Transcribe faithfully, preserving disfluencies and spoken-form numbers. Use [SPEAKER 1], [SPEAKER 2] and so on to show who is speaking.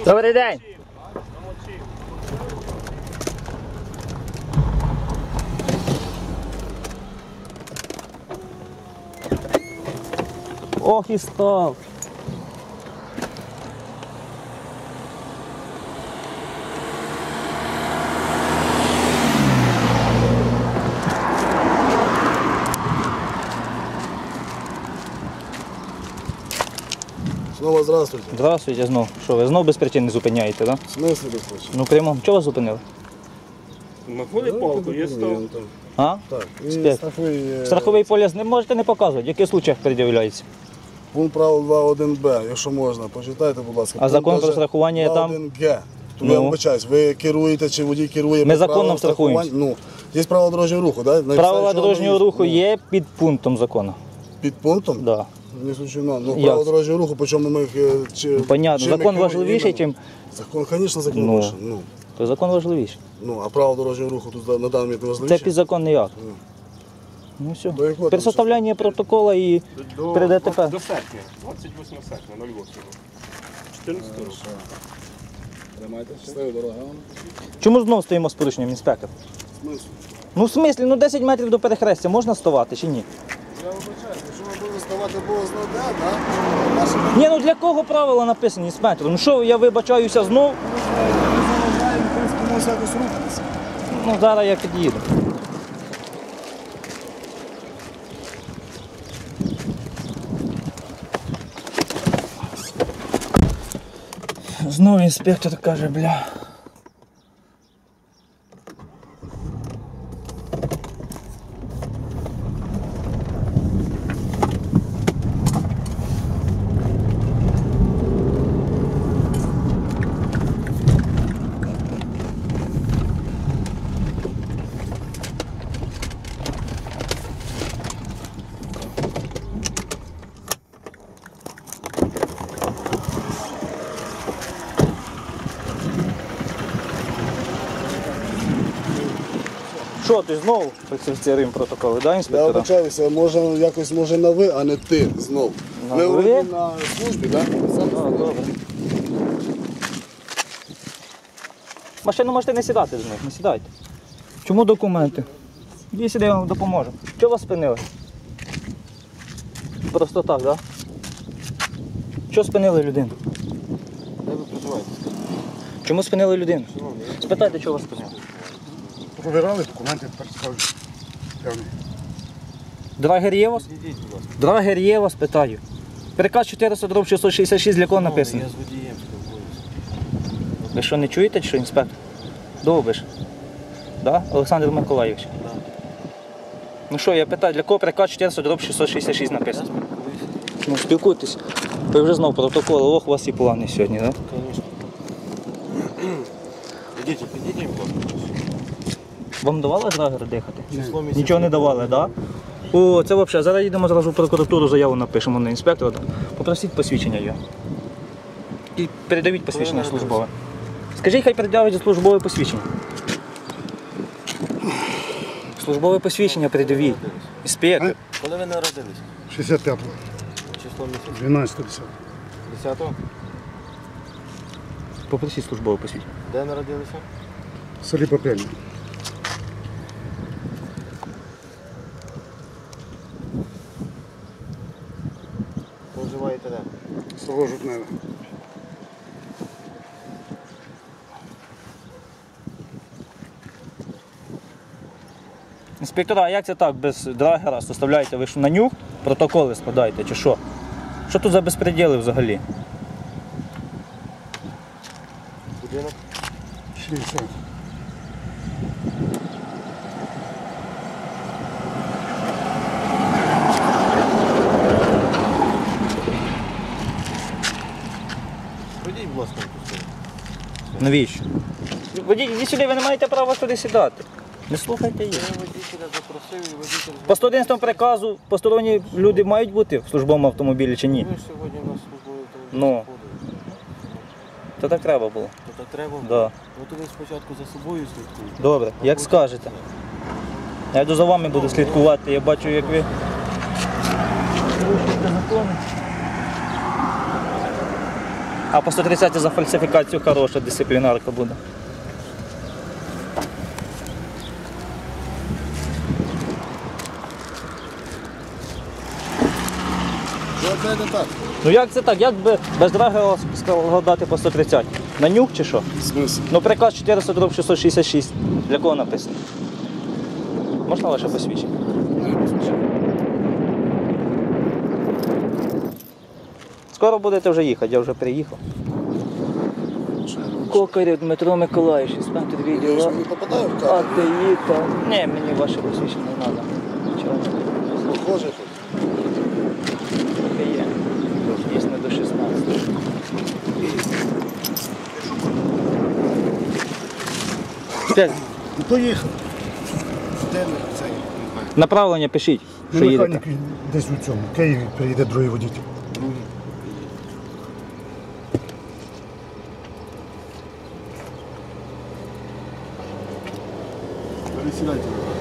[SPEAKER 1] Добрий день! Ох і став!
[SPEAKER 2] Знову здравствуйте.
[SPEAKER 1] Здравствуйте знову. Що, ви знову без причин не зупиняєте, так?
[SPEAKER 2] В смысле без причин?
[SPEAKER 1] Ну прямо, чого вас зупинили?
[SPEAKER 3] Знаходи палку, є став.
[SPEAKER 1] А?
[SPEAKER 2] Так, і
[SPEAKER 1] Спец.
[SPEAKER 2] страховий, е,
[SPEAKER 1] Страховий поліс не можете не показувати, в яких случаях пред'являється?
[SPEAKER 2] пункт правил два один Б, якщо можна, почитайте, будь ласка.
[SPEAKER 1] А закон про страхування є там?
[SPEAKER 2] два один Г. То
[SPEAKER 1] Ну.
[SPEAKER 2] я вибачаюсь, ви керуєте чи водій керує
[SPEAKER 1] Ми
[SPEAKER 2] по
[SPEAKER 1] законом
[SPEAKER 2] правилам
[SPEAKER 1] страхуємося.
[SPEAKER 2] страхування? Ну, є правила дорожнього руху, так? Да?
[SPEAKER 1] Правила дорожнього руху є під пунктом закону.
[SPEAKER 2] Під пунктом?
[SPEAKER 1] Да.
[SPEAKER 2] Не случайно. Ну,
[SPEAKER 1] Як?
[SPEAKER 2] правила дорожнього руху, по чому ми їх... е, чи-
[SPEAKER 1] Понятно,
[SPEAKER 2] чим ми
[SPEAKER 1] закон
[SPEAKER 2] керуємо
[SPEAKER 1] важливіший,
[SPEAKER 2] іменно?
[SPEAKER 1] ніж...
[SPEAKER 2] Закон, звісно, закон
[SPEAKER 1] Ну.
[SPEAKER 2] важливий. Ну.
[SPEAKER 1] То закон важливіший.
[SPEAKER 2] Ну, а правила дорожнього руху тут на даний момент не
[SPEAKER 1] Це
[SPEAKER 2] важливіше?
[SPEAKER 1] підзаконний акт.
[SPEAKER 2] Ну.
[SPEAKER 1] Ну все.
[SPEAKER 2] До якого
[SPEAKER 1] При
[SPEAKER 2] там
[SPEAKER 1] составлянні протоколу і
[SPEAKER 3] До,
[SPEAKER 1] при ДТП.
[SPEAKER 3] до серпня, двадцять восьмого серпня, ноль восьмого. чотирнадцятого року.
[SPEAKER 2] Тримайте, щасливо, дорога.
[SPEAKER 1] Чому знову стоїмо з порушенням, інспектор?
[SPEAKER 2] В смислі?
[SPEAKER 1] Ну в смислі, ну десять метрів до перехрестя можна ставати чи ні?
[SPEAKER 2] Я вибачаюсь, якщо ми будемо ставати Бог знає де, так? Наші
[SPEAKER 1] Ні, ну для кого правила написані, інспектор? Ну що, я вибачаюся знов?
[SPEAKER 2] ми знаємо, в принципі, може якось рухатися.
[SPEAKER 1] Ну зараз я під'їду. Знову інспектор каже, бля. Що ти знову фальсифіцируємо протоколи, да,
[SPEAKER 2] Я
[SPEAKER 1] інспектора?
[SPEAKER 2] вибачаюся, може якось може на ви, а не ти знов.
[SPEAKER 1] На
[SPEAKER 2] Ми
[SPEAKER 1] ви?
[SPEAKER 2] вроді на службі, так?
[SPEAKER 1] А, добре. Машину можете не сідати з них, не сідайте. Чому документи? Іди сюди, я вам допоможу. Чого вас спинили? Просто так, так? Да? Чого спинили людину?
[SPEAKER 3] Де ви проживаєте?
[SPEAKER 1] Чому спинили людину? Спитайте, чого вас спинили.
[SPEAKER 4] Провірали документи, тепер скажуть. Певний.
[SPEAKER 1] Драгер є у вас?
[SPEAKER 3] Ідіть, будь ласка.
[SPEAKER 1] Драгер є у вас, питаю. Переказ чотириста дроб шістсот шістдесят шість для кого написано?
[SPEAKER 3] Я з водієм спілкуюся.
[SPEAKER 1] Ви що, не чуєте, що інспектор? Довбиш? Да? Олександр Миколаївич?
[SPEAKER 3] Так.
[SPEAKER 1] Ну що, я питаю, для кого переказ чотириста дроб шістсот шістдесят шість написано? Ну, спілкуйтесь. Ви вже знов протокол, ох, у вас і плани сьогодні, так? Да?
[SPEAKER 3] Звісно. Ідіть, підійдіть, будь ласка.
[SPEAKER 1] Вам давали драгер дихати?
[SPEAKER 3] Число місяця.
[SPEAKER 1] Нічого не давали, так? Да? О, це взагалі. Зараз їдемо зразу в прокуратуру, заяву напишемо на інспектора. Попросіть посвідчення його. І передавіть посвідчення
[SPEAKER 3] Коли
[SPEAKER 1] службове. Скажіть, хай передавить службове посвідчення. Службове посвідчення передавіть. Інспектор.
[SPEAKER 3] Коли ви народились?
[SPEAKER 4] шістдесят п'ятого,
[SPEAKER 3] Число місяця?
[SPEAKER 4] дванадцятого, десятого.
[SPEAKER 3] десятого?
[SPEAKER 1] Попросіть службове посвідчення.
[SPEAKER 3] Де народилися?
[SPEAKER 4] В селі Попельня.
[SPEAKER 3] Проживаєте де?
[SPEAKER 4] Село Жутневе.
[SPEAKER 1] Інспектора, а як це так, без драгера составляєте? Ви що, на нюх протоколи складаєте, чи що? Що тут за безпреділи взагалі?
[SPEAKER 3] Будинок?
[SPEAKER 4] шістдесят.
[SPEAKER 3] Ходіть, будь ласка, на ту сторону.
[SPEAKER 1] Навіщо? Водій, іди сюди, ви не маєте права сюди сідати. Не слухайте їх.
[SPEAKER 3] Я водителя запросив і водитель...
[SPEAKER 1] По сто одинадцятому приказу посторонні люди мають бути в службовому автомобілі чи ні?
[SPEAKER 3] Ви ж сьогодні у нас службовий автомобіль
[SPEAKER 1] Ну.
[SPEAKER 3] заходили.
[SPEAKER 1] То так треба було.
[SPEAKER 3] То так треба?
[SPEAKER 1] Да.
[SPEAKER 3] Ну то ви спочатку за собою слідкуєте.
[SPEAKER 1] Добре, як скажете. Я йду за вами буду слідкувати, я бачу, як ви порушуєте закони. А по сто тридцять за фальсифікацію хороша дисциплінарка буде.
[SPEAKER 2] Що опять не так?
[SPEAKER 1] Ну як це так? Як би без драгера сказав дати по сто тридцять? На нюх чи що?
[SPEAKER 2] Смисл?
[SPEAKER 1] Ну приказ чотириста дроб шістсот шістдесят шість. Для кого написано? Можна ваше посвідчення? Скоро будете вже їхати, я вже приїхав. Кокарів Дмитро Миколаївич, інспектор
[SPEAKER 2] Я
[SPEAKER 1] відділу.
[SPEAKER 2] ж не попадаю в
[SPEAKER 1] А
[SPEAKER 2] кадр.
[SPEAKER 1] ти їхав. Ні, мені ваше посвідчення не треба. Чого?
[SPEAKER 2] Похоже тут.
[SPEAKER 1] Таке є. Дійсно до шістнадцяти. П'ять.
[SPEAKER 4] Ну, поїхав.
[SPEAKER 2] Де ми цей?
[SPEAKER 1] Направлення пишіть,
[SPEAKER 4] Ну,
[SPEAKER 1] що їдете.
[SPEAKER 4] механік десь у цьому. В Києві приїде другий водитель.
[SPEAKER 2] Пересідайте.